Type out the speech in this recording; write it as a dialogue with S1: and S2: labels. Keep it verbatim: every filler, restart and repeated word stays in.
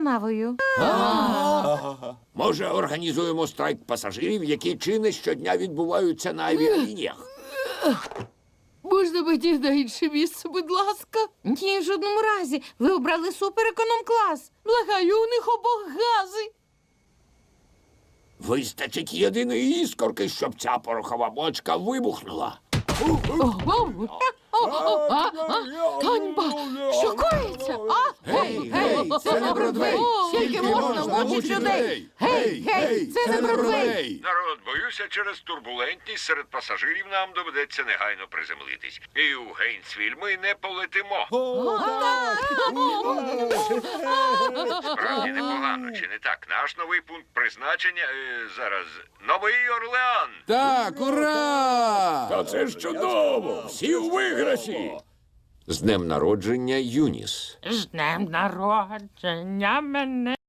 S1: навою.
S2: Може, організуємо страйк пасажирів, які чини щодня відбуваються на авіалініях?
S3: Можна мені на інше місце, будь ласка?
S1: Ні, в жодному разі. Ви обрали супереконом-клас.
S3: Благаю, у них обох гази.
S2: Вистачить єдиної іскорки, щоб ця порохова бочка вибухнула.
S3: Ганьба! Що коїться? А?
S2: Гей, гей, це не Бродвей!
S1: Скільки можна мучити людей? Гей, гей, це не Бродвей!
S4: Народ, боюся, через турбулентність серед пасажирів нам доведеться негайно приземлитись. І у Гейнсвіль ми не полетимо. Справді непогано, чи не так? Наш новий пункт призначення, е, зараз, Новий Орлеан.
S5: Так, ура!
S2: Та це ж чудово! Всі у виграші! З днем народження, Юніс.
S3: З днем народження мене.